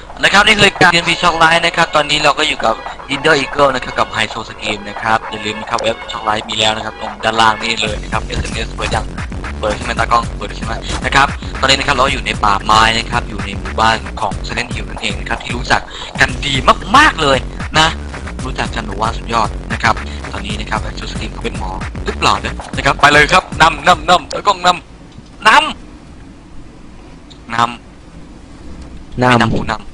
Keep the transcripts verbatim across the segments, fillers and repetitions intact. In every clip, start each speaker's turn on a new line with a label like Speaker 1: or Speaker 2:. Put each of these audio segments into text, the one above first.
Speaker 1: นะครับนี่คือการเรียนพีช็อกไลท์นะครับตอนนี้เราก็อยู่กับอินเดอร์อีเกิลนะครับกับไฮโซสกีมนะครับอย่าลืมนะครับเว็บช็อกไลท์มีแล้วนะครับตรงด้านล่างนี่เลยนะครับ เอส เอ็ม เอส เปิดยังเปิดใช่ไหมตากล้องเปิดใช่ไหมนะครับตอนนี้นะครับเราอยู่ในป่าไม้นะครับอยู่ในหมู่บ้านของเซเลนฮิลนั่นเองนะครับที่รู้จักกันดีมากๆเลยนะรู้จักกันหนูว่าสุดยอดนะครับตอนนี้นะครับไฮโซสกีมเขาเป็นหมอหรือเปล่าเนี่ยนะครับไปเลยครับนำนำนำตากล้องนำนำนำ
Speaker 2: น
Speaker 1: นำผู้น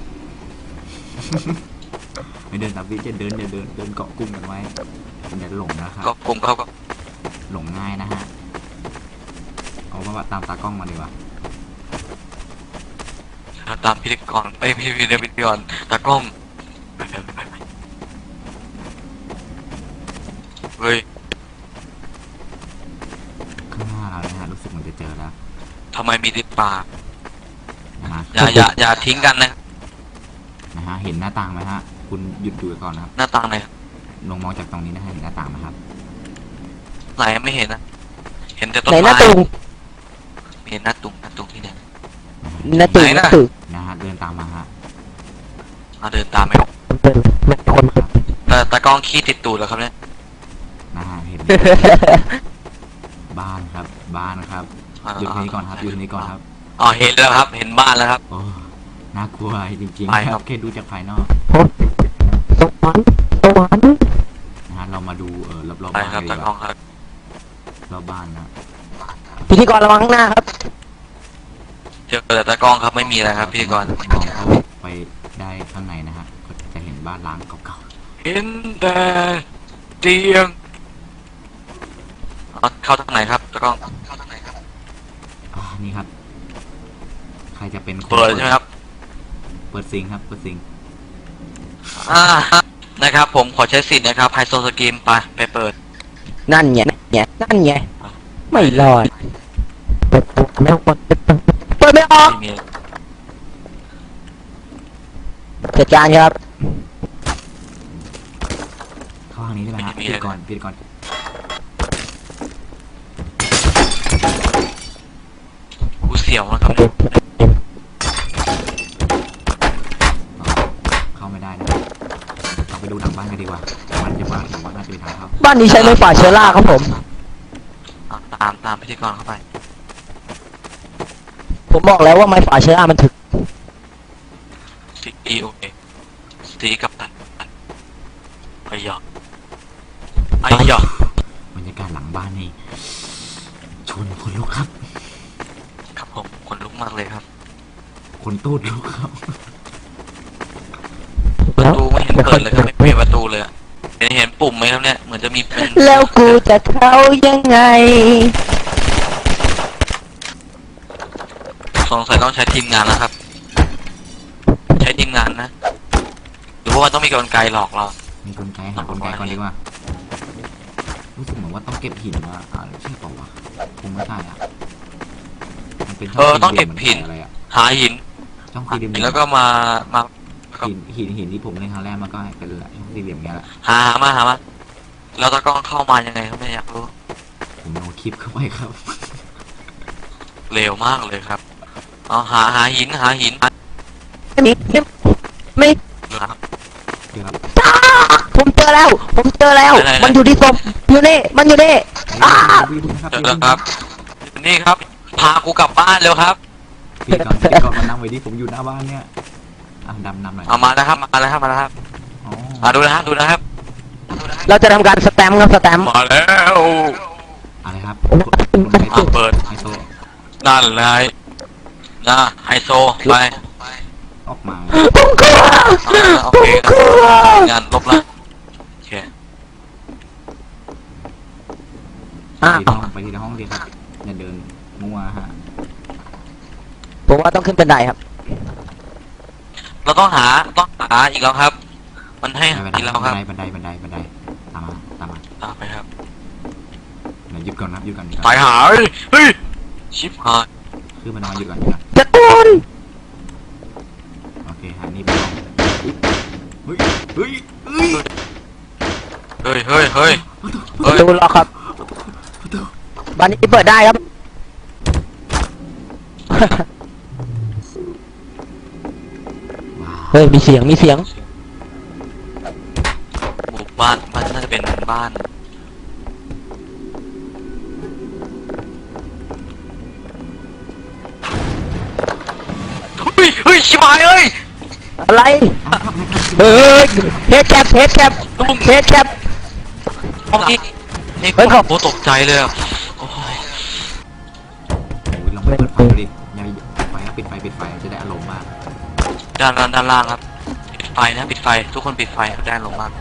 Speaker 3: ไม่เดินตามพี่จะเดินอย่าเดินเดินเกาะกลุ่มกันไว้อย่าหลงนะครับ
Speaker 1: ำก็กลมเขาก็
Speaker 3: หลงง่ายนะฮะเอาว่าตามตากล้องมาดีกว่า
Speaker 1: ตามพิธีกรไปพี่พิธีกรตากล้องไปไปไปไปเฮ้ย
Speaker 3: ข้างหน้าเรานะฮะรู้สึกเหมันจะเจอแล้ว
Speaker 1: ทำไมมีดิบป่า
Speaker 3: นะฮะ
Speaker 1: อย่าอย่าอย่าทิ้งกันนะ
Speaker 3: นะฮะเห็นหน้าต่างไหมฮะคุณหยุดดูก่อนนะครับ
Speaker 1: หน้าต่างไหน
Speaker 3: ลงมองจากตรงนี้นะฮะเห็นหน้าต่างไหมครับ
Speaker 1: ไหนไม่เห็นนะเห็นแต่
Speaker 2: ำ
Speaker 1: ต้น
Speaker 2: ไหนห
Speaker 1: ไม้
Speaker 2: น้าตุง
Speaker 1: ไม่เห็นหน้าตุงหน้าตุงที่ไหน
Speaker 2: หน้าตุง
Speaker 1: ไหน
Speaker 2: ห
Speaker 1: น่ะ
Speaker 2: น้าตุง
Speaker 3: นะฮะเดินตามมาฮะ
Speaker 1: มาเดินตามไป
Speaker 2: เป็นไม่คนครับ
Speaker 1: แต่ตากล้องขี้ติดตูดแล้วครับเนี่ย
Speaker 3: นะฮะเห็น บ้านครับบ้านครับอยู่ตรงนี้ก่อนครับอยู่ตรงนี้ก่อนครับ
Speaker 1: อ๋อเห็นแล้วครับเห็นบ้านแล้วครับ
Speaker 3: โอ้น่ากลัวจริง
Speaker 1: ไป
Speaker 3: ๆ
Speaker 1: ค
Speaker 3: ค
Speaker 1: รั
Speaker 3: รับ บแค่ดูจากภายนอก
Speaker 2: สวรรค์สวรรค์
Speaker 3: นะฮะเรามาดูเออรอบๆ
Speaker 1: ไป
Speaker 3: บ้าน
Speaker 1: ครับ
Speaker 3: ดี
Speaker 1: ตาก
Speaker 3: ก
Speaker 1: ล้อ
Speaker 3: ว่าง
Speaker 1: ครับ
Speaker 3: รอบบ้านนะ
Speaker 2: พิธีกรระวังข้างหน้าครับ
Speaker 1: เจอแต่ตากล้องครับไม่มีอะไรครับพิธีกร
Speaker 3: มองเข้าไปได้ข้างในนะฮะก็จะเห็นบ้านล้างเก่า
Speaker 1: เห็นแต่เตียงเอาเข้าทางไหนครับตากล้องเข้าทางไหนครับ
Speaker 3: ๆอ่านี่ครับ ใครจะเป็นคน
Speaker 1: เปิดใช่ไหมครับ
Speaker 3: เปิดซิงค์ครับเปิดซิงค์
Speaker 1: อ่านะครับผมขอใช้สิทธิ์นะครับไฮโซสกีมไปไปเปิด
Speaker 2: นั่นไงเนี่ยนั่นไงไม่รอดเปิดตัวไม่ออกเปิดไม่ออก
Speaker 1: ไม่มี
Speaker 2: จัดการครับ
Speaker 3: เข้าทางนี้ได้ไหมฮะปิดก่อนปิดก่อน
Speaker 1: กูเสียวนะครับเนี่ย
Speaker 3: อ๋อเข้าไม่ได้นะเราไปดูหลังบ้านกันดีกว่ามันจะว่าผมว่าน่าจะเป็นทางเข้า
Speaker 2: บ้านนี้ใช้ไม้ฝาเชื้อราครับผม
Speaker 1: เอาตามตามพิธีกรเข้าไป
Speaker 2: ผมบอกแล้วว่าไม้ฝาเชื้อรามันถึก
Speaker 1: สีโอเคสีกับตันไอ้หยอกไอ้หยอก
Speaker 3: บรรยากาศหลังบ้านนี่ชวนคนลุกครับ
Speaker 1: ครับผมคนลุกมากเลยครับ
Speaker 3: คนตูดลุกครับ
Speaker 1: ประตูไม่เห็นเปิดเลยครับไม่เห็นประตูเลยอะเห็นเห็นปุ่มไหมครับเนี่ยเหมือนจะมีเป็น
Speaker 2: แล้วกูจะเข้ายังไง
Speaker 1: สงสัยต้องใช้ทีมงานแล้วครับ ใช้ทีมงานนะหรือว่าต้องมีกลไกหลอกเรา
Speaker 3: มีกลไกหากลไกก่อนดีกว่ารู้สึกเหมือนว่าต้องเก็บหินมาอ่าใช่เปล่าวะคงไม่ใช่อ่ะมันเป็นช่
Speaker 1: เออต้องเก็บหิน
Speaker 3: อะไรอ่ะ
Speaker 1: หาหิน
Speaker 3: ช่องสี่เหลี่ยม
Speaker 1: แล้วก็มามา
Speaker 3: หินหินหินที่ผมเล่นครั้งแรกมันก็เป็นช่องสี่เหลี่ยมเงี้ยแหละ
Speaker 1: หามาหามาแล้วตะกล้องเข้ามายังไงครับไม่อยากรู้
Speaker 3: ผมเอาคลิปเข้าไปครับ
Speaker 1: เร็วมากเลยครับเอาหาหาหินหาหิน
Speaker 2: ไม่มีไม่ไม่
Speaker 1: ครับ
Speaker 3: เดี๋ยวครับ
Speaker 2: อ้าผมเจอแล้ว ผมเจอแล้ว
Speaker 1: ไหนๆ
Speaker 2: มันอยู่ที่ศพอยู่นี่ มันอยู่นี่อ้า
Speaker 3: พี่ดูนะครับ
Speaker 1: เจอแล้วครับนี่ครับ พากูกลับบ้านเร็วครับ
Speaker 3: พี่ก่อนพี่ก่อนมานั่งไว้ดิผมอยู่หน้าบ้านเนี่ยอ่ะดำนำหน่อย
Speaker 1: เอามาแล้วครับมาแล้วครับมาแล้วครับ
Speaker 3: อ๋อ
Speaker 1: มาดูนะครับดูนะครับ
Speaker 2: เราจะทำการสแตมป์ครับสแตมป์
Speaker 1: มาแล้ว
Speaker 3: อะไรครับ
Speaker 1: อ่ะเปิด
Speaker 3: ไฮโซ
Speaker 1: นั่นเลยนะไฮโซไป
Speaker 3: ออกมา
Speaker 2: ผมกลัว
Speaker 1: เอาละโอ
Speaker 2: ผ
Speaker 1: เค
Speaker 2: มกลัว
Speaker 1: งานลบละโอเค
Speaker 2: อ้า
Speaker 3: ไปที่
Speaker 2: ว
Speaker 3: ห้องไปที่ห้องดีครับอย่าเดินมั่วฮะ
Speaker 2: ผมว่าต้องขึ้นบันไดครับ
Speaker 1: เราต้องหาต้องหาอีกแล้วครับ มันให้หา
Speaker 3: บัน
Speaker 1: อีกแล้วครับ
Speaker 3: ไดบันไดบันไดบันไดตามมาตามมา
Speaker 1: ตามไปครับ
Speaker 3: เดี๋ยวหยุดก่อนนะหยุดก่อนหยุด
Speaker 1: ไป
Speaker 3: ก่อน
Speaker 1: หาเฮ้ยเฮ้ยชิบหาย
Speaker 3: คือมันมาหยุดก่อนหยุดก่อน
Speaker 2: จะตูน
Speaker 3: โอเคฮะนี่เป็นห้องเฮ้ยเฮ้ยเฮ้ย
Speaker 1: เฮ้ยเฮ้ยเฮ้ย
Speaker 2: ประตูล็อกครับ
Speaker 3: ประตู
Speaker 2: บ้านนี้เปิดได้ครับเฮ้ยมีเสียงมีเสียง
Speaker 1: หมู่บ้านบ้านน่าจะเป็นบ้านเฮ้ยเฮ้ยชิบหายเอ้ย
Speaker 2: อะไรเฮ้ยเฮดแคปเฮดแคปเฮดแคป
Speaker 1: ห้องนี้นี่
Speaker 2: เฮ้ยเขา
Speaker 1: โอ้ตกใจเลยอะโอ้ย
Speaker 3: โอ้ยลองไปเปิดไฟดูดิอย่าปิดไฟนะปิดไฟปิดไฟจะได้อารมณ์มาก
Speaker 1: ด้านล่างด้านล่างครับปิดไฟนะปิดไฟทุกคนปิดไฟครับได้ลงมาก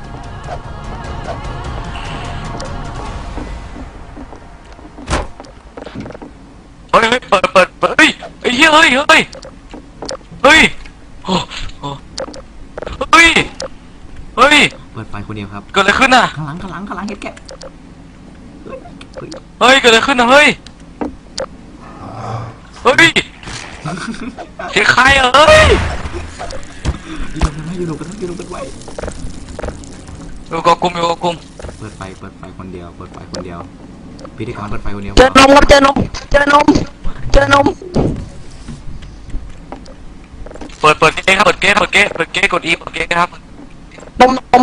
Speaker 1: เฮ้ยเฮ้ยเปิดเปิดเปิดเฮ้ยเฮ้ยเฮ้ยเฮ้ยเฮ้ยโอ้โหเฮ้ยเฮ้ย
Speaker 3: เปิดไฟคนเดียวครับ
Speaker 1: เกิดอะไรขึ้นน่ะ
Speaker 3: ข้างหลังข้างหลังข้างหลังเฮ็ดแกะเฮ้ยเฮ้ย
Speaker 1: เฮ้ยเกิดอะไรขึ้นน่ะเฮ้ยเฮ้ยเสียงใครอ่ะเฮ้ย
Speaker 3: อยู่กันไว้อยู่กันไว้อยู่กันไว้
Speaker 1: อยู่กับกลุ่มอยู่กับกลุ่ม
Speaker 3: เปิดไฟเปิดไฟคนเดียวเปิดไฟคนเดียวพิธีกรเปิดไฟคนเดียว
Speaker 2: เจอนมครับเจอนมเจอนมเจอนม
Speaker 1: เปิดเปิดเก๊ครับเปิดเก๊เปิดเก๊เปิดเก๊กดอีเปิดเก๊ครับ
Speaker 2: นมนม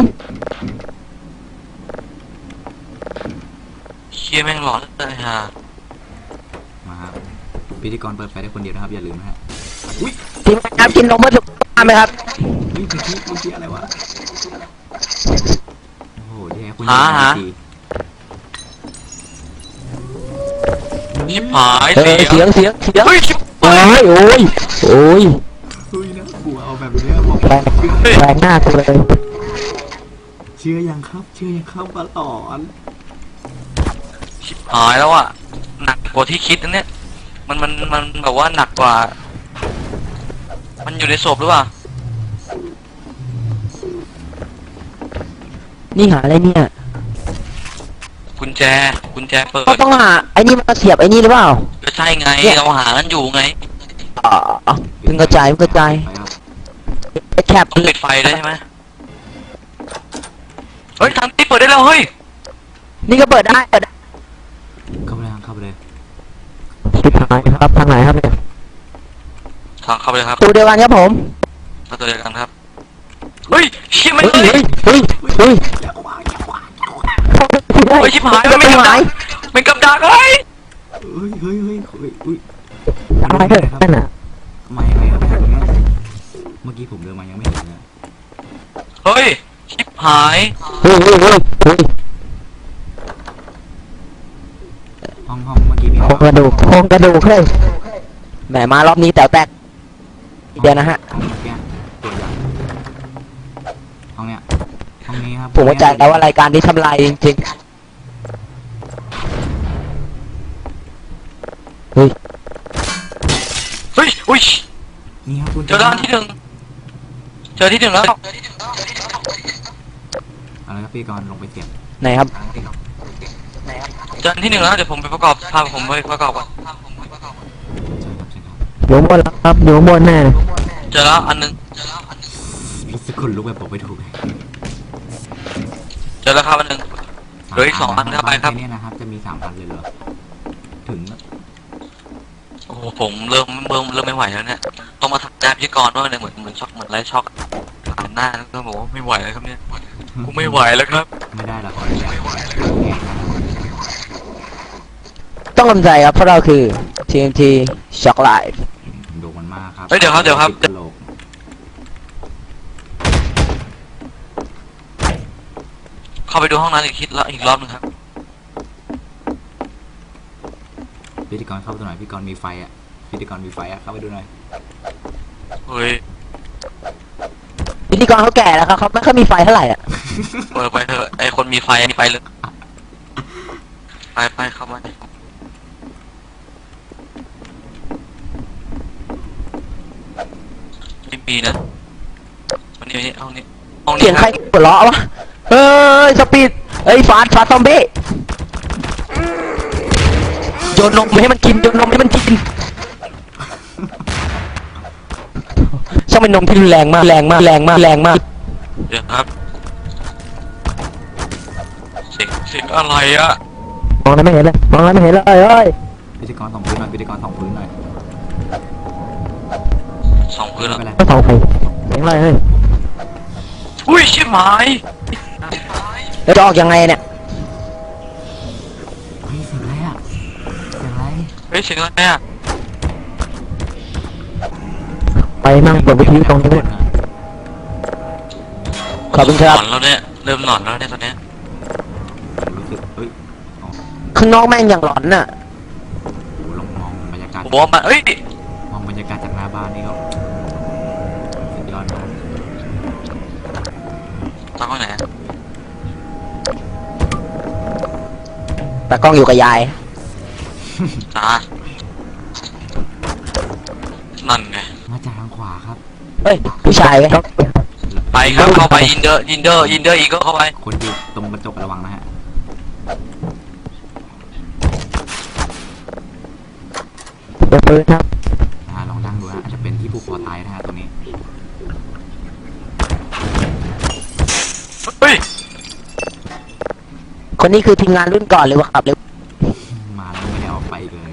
Speaker 1: เชี่ยแม่งหลอนเลยฮะ
Speaker 3: มาครับพิธีกรเปิดไฟได้คนเดียวนะครับอย่าลืมนะฮะอุ้ย
Speaker 2: ทีมงานครับกินนมเพื่อสุขภาพไหมครับ
Speaker 3: เฮ้ยเมื่อกี้เมื่อกี้อะไรวะโอ้โหแย่คุณ
Speaker 1: หาหา
Speaker 3: ที
Speaker 1: ชิบหาย
Speaker 2: เฮ้ย
Speaker 1: เสี
Speaker 2: เสี
Speaker 1: ย
Speaker 2: ยงเสียงเสียง
Speaker 1: เฮ้ยชิบ
Speaker 2: โอ้
Speaker 1: หาย
Speaker 2: ยโอ้ยโอ้ย
Speaker 3: เฮ้ยนะกลัวเอาแบบนี้บอก
Speaker 2: แปลงแปลงหน้ากูเลย
Speaker 3: เชื่อยังครับเชื่อยังครับว่าหลอน
Speaker 1: ชิบหายแล้วอ่ะหนักกว่าที่คิดนะเนี่ยมันมันมันแบบว่าหนักกว่า มันอยู่ในศพหรือเปล่า
Speaker 2: นี่หาอะไรเนี่ย
Speaker 1: กุญแจกุญแจเปิด
Speaker 2: ก็ต้องหาไอ้นี่มาเสียบไอ้นี่หรือเปล่า
Speaker 1: ก็ใช่ไงเราหากันอยู่ไง
Speaker 2: อ๋อเพิ่งกระจายเพิ่งกระจาย
Speaker 3: ไปครับ
Speaker 2: ไอ้แคป
Speaker 1: ต้องปิดไฟได้ใช่ไหมเฮ้ยทางนี้เปิดได้แล้วเฮ้ย
Speaker 2: นี่ก็เปิดได้เปิดได้
Speaker 3: เข้าไปเลยครับเข้าไปเลย
Speaker 2: ปิดหายครับทางไหนครับเนี่ย
Speaker 1: ทางเข้าไปเลยครับ
Speaker 2: ตูเดียวกันครับผม
Speaker 1: ประตูเดียวกันครับเฮ้ยเชี่ยไม่
Speaker 2: เฮ้ย
Speaker 1: เลย
Speaker 2: เฮ้ยเฮ้ยเฮ้ย
Speaker 3: อย่าวางอย่าวาง
Speaker 1: เฮ้ยชิบหายมัน
Speaker 2: ไม่
Speaker 1: เป็นกับ
Speaker 2: หา
Speaker 1: ดั
Speaker 2: ย
Speaker 1: กเป็นกับดักเฮ้ย
Speaker 3: เฮ้ยเฮ้ยเฮ้ยเฮ้ยอุ้ย
Speaker 2: อะไรเถอะนั่นน่ะ
Speaker 3: มายังไงครับแบบนี้เมื่อกี้ผมเดินมายังไม่เห็นเลย
Speaker 1: เฮ้ยชิบหาย
Speaker 2: เฮ้ยเฮ้ยเฮ้ยเฮ้ย
Speaker 3: ห้องห้องเมื่อกี้มี
Speaker 2: โครงกระดูกโครงกระดูกเฮ้ยแหมมารอบนี้แต๋วแตกเดี๋ยวนะฮะ
Speaker 3: ห้องเมื่อกี้ตัวอย่างห้องเนี้ยห้องนี้ครับ
Speaker 2: ผมเข้าใจแล้วว่ารายการนี้ทำลายจริงๆเฮ้ย
Speaker 1: เฮ้ยอุ้ย
Speaker 3: นี่ครับคุณ
Speaker 1: เจอด้านที่หนึ่งเจอที่หนึ่งแล้ว
Speaker 3: อะไรครับพี่กรณ์ลงไปเสียบ
Speaker 2: ไหนครับ
Speaker 1: เจอที่หนึ่งแล้วเดี๋ยวผมไปประกอบพาผมไปประกอบก่อน
Speaker 3: ใช่ครับใช่ครับ
Speaker 2: อยู่ข้างบนแล้วครับอยู่ข้างบนแน่
Speaker 1: เจอแล้วอันหนึง
Speaker 3: รู้สึกคนลุกแบบบอกไม่ถูก
Speaker 1: เจอแล้วครับอันหนึง เหลืออีกสองอันครับไปครับ
Speaker 3: แเนี่ยนะครับจะมีสามอันเลยเหรอถึง
Speaker 1: โอ้โหผมเริ่มเริ่มเริ่มไม่ไหวแล้วเนี่ยต้องมาทำแจพิธีกรว่าเนี่ยเหมือนเหมือนช็อกเหมือนไรช็อกผ่านหน้าแล้วก็บอกว่าไม่ไหวแล้วครับเนี่ยกูไม่ไหวแล้วครับ
Speaker 3: ไม่ได้ละขอไม่ได้แกงนะครับ
Speaker 2: ต้องกำใจครับเพราะเราคือ ที เอ็ม ที Shock Live
Speaker 3: ดูมันมากครับ
Speaker 1: เฮ้ยเดี๋ยวครับเดี๋ยวครับ
Speaker 3: ติกะโหลก
Speaker 1: เข้าไปดูห้องนั้นอีกคิดแล้วอีกรอบหนึงครับ
Speaker 3: พิธีกรเข้าไปดูหน่อยพิธีกรมีไฟอ่ะพิธีกรมีไฟอ่ะเข้าไปดูหน่อย
Speaker 1: เฮ้ย
Speaker 2: พิธีกรเขาแก่แล้วครับเขาไม่ค่อยมีไฟเท่าไหร่อ่ะ
Speaker 1: เปิดไปเถอะไอคนมีไฟมีไปเลยไปไปเข้ามาไม่มีนะวันนี้ห้องนี้ห้องนี้
Speaker 2: เสียงใครหัวเราะวะเฮ้ยสปีดเอ้ยฟาดฟาดซอมบี้โยนนมให้มันกินโยนนมให้มันกินช่างเป็นนมที่รุนแรงมากแรงมากแรงมากแรงมาก
Speaker 1: เดี๋ยวครับเสียงเสียงอะไรอะ
Speaker 2: มองอะไรไม่เห็นเลยมองอะไรไม่เห็นเลยเอ้ย
Speaker 3: พิธีกรส่องพื้นหน่อยพิธีกรส่องพื้นหน่อย
Speaker 1: สองพื้นแล้ว
Speaker 3: ไม่เป็นไร
Speaker 2: ไม่ส่องไฟเสียงอะไรเฮ้ย
Speaker 1: อุ้ยชิบหาย
Speaker 2: แล้วจะออกยังไงเนี่ย
Speaker 3: เฮ้ยเสียงอะไรอ่ะเสียงอะไร
Speaker 1: เฮ้ยเสียงอะไรอ่ะ
Speaker 2: ไปนั่งเปิดวิทยุตรงนี้ด้วยขอบคุณครับ
Speaker 1: หลอนแล้วเนี่ยเริ่มหลอนแล้วเนี่ยตอนเนี้ย
Speaker 3: ผมรู้สึกเฮ้ยอ๋อ
Speaker 2: ข้างนอกแม่งอย่างหลอนน่ะ
Speaker 3: โหลองมองบรรยากาศ
Speaker 1: ผมบอกว่ามันเอ้ย
Speaker 3: มองบรรยากาศจากหน้าบ้านนี่ก็สุดยอดมาก
Speaker 1: ตากล้องไหนอะ
Speaker 2: แต่กล้องอยู่กับยาย
Speaker 1: จ้านั่นไง
Speaker 3: มาจากทางขวาครับ
Speaker 2: เฮ้ยผู้ชายไหม
Speaker 1: ไปครับเข้าไปยินเดอร์ยินเดอร์ยินเดอร์อีกก็เข้าไป
Speaker 3: คนอยู่ตรงกระจกระวังนะฮะ
Speaker 2: เปิดปืนครับ
Speaker 3: อ่าลองนั่งดูฮะอาจจะเป็นที่ผูกคอตายนะฮะตรงนี้
Speaker 1: เฮ้ย
Speaker 2: คนนี้คือทีมงานรุ่นก่อนเลยวะครับเลย
Speaker 3: มาแล้วไม่ได้ออกไปอีกเลย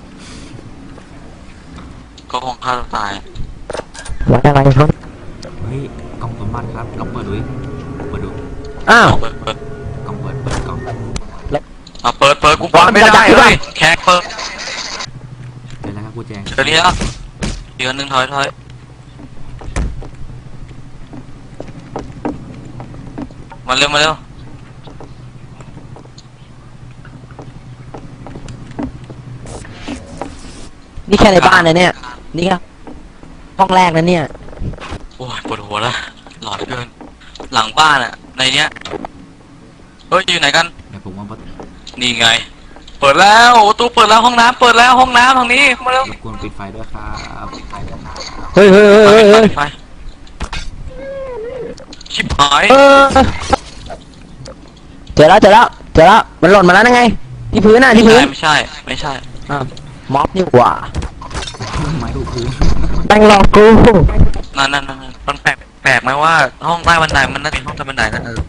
Speaker 1: ก็คงฆ่าตัวตาย
Speaker 2: วัดอะไรครับ
Speaker 3: เฮ้ยกล่องสมบัติครับลองเปิดดูดิเปิดดู
Speaker 2: อ้าว
Speaker 1: เปิดเปิด
Speaker 3: กล่องเปิดเปิดกล่อง
Speaker 1: อ่ะเปิดเปิดกูเปิดไม่ได้เลยแขกเปิด
Speaker 3: เจอแล้วครับกูแจง
Speaker 1: เจอนี้แล้วเดือนหนึ่งถอยถอยมาเร็วมาเร็ว
Speaker 2: นี่แค่ในบ้านนะเนี่ย นี่ครับห้องแรกนะเนี่ย
Speaker 1: โอ้ยปวดหัวละหลอนเกินหลังบ้านอ่ะในเนี้ยเฮ้ยอยู่ไหนกัน
Speaker 3: แต่ผมว่า
Speaker 1: นี่ไง เปิดแล้วประตูเปิดแล้วห้องน้ำเปิดแล้วห้องน้ำทางนี้มาเร็ว
Speaker 3: รบกวนปิดไฟด้วยครับปิดไฟด้วยครับ
Speaker 2: เฮ้ยเฮ้ยเฮ้ยเฮ้ยเฮ้ย
Speaker 1: ไปชิบหาย
Speaker 2: เออเจอแล้วเจอแล้วเจอแล้วมันหล่นมาแล้วนะไง ที่พื้นน่ะที่พื้น
Speaker 1: ไม่ใช่ไม่ใช่
Speaker 2: อ่ะม็อบนี่หว่า
Speaker 3: ไม้ถูกพื้น
Speaker 2: แม่งหลอกกู
Speaker 1: นั่นนั่นนั่นมันแปลกแปลกไหมว่าห้องใต้บันไดมันน่าจะเป็นห้องใต้บันไดนะเออ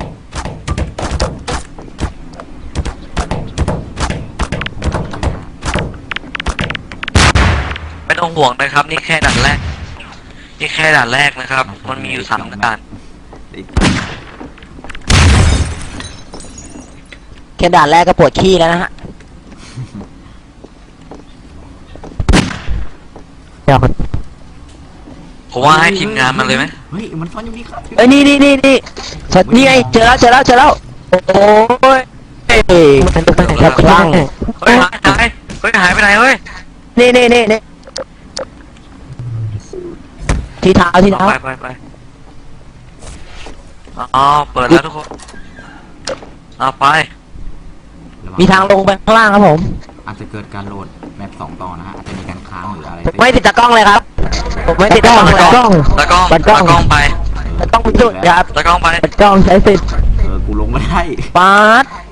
Speaker 1: ไม่ต้องห่วงนะครับ นี่แค่ด่านแรก นี่แค่ด่านแรกนะครับ มันมีอยู่สามด่าน
Speaker 2: แค่ด่านแรกก็ปวดขี้แล้วนะฮะเดี๋ยว
Speaker 1: ผมว่าให้ทีมงานมันเลยไหม
Speaker 3: เฮ้ยมันซ่อนอยู่นี่ครับ
Speaker 2: เอ้ยนี่นี่นี่นี่นี่ไงเจอแล้วเจอแล้วเจอแล้วโอ้ยเอ้ยมันเป็นอะไรครับคลั่ง
Speaker 1: เฮ้ยหายหายเฮ้ยหายไปไหนเฮ้ย
Speaker 2: นี่นี่นี่นี่ที่เท้าที่เท้า
Speaker 1: ไปไปไปอ๋อเปิดแล้วทุกคนเอาไป
Speaker 2: มีทางลงไปข้างล่างครับผม
Speaker 3: อาจจะเกิดการโหลดแมปสองต่อนะฮะอาจจะมีการค้างหรืออะไร
Speaker 2: ผมไม่ติดตะกล้องเลยครับผมไม่ติดตะกล้องเลย
Speaker 1: ตะกล้องตะกล้องตะกล้องไป
Speaker 2: ตะกล้องจุดครับ
Speaker 1: ตะกล้องไป
Speaker 2: ตะกล้องใช้สิทธิ์
Speaker 3: เออกูลงไม่ได้
Speaker 2: ปาด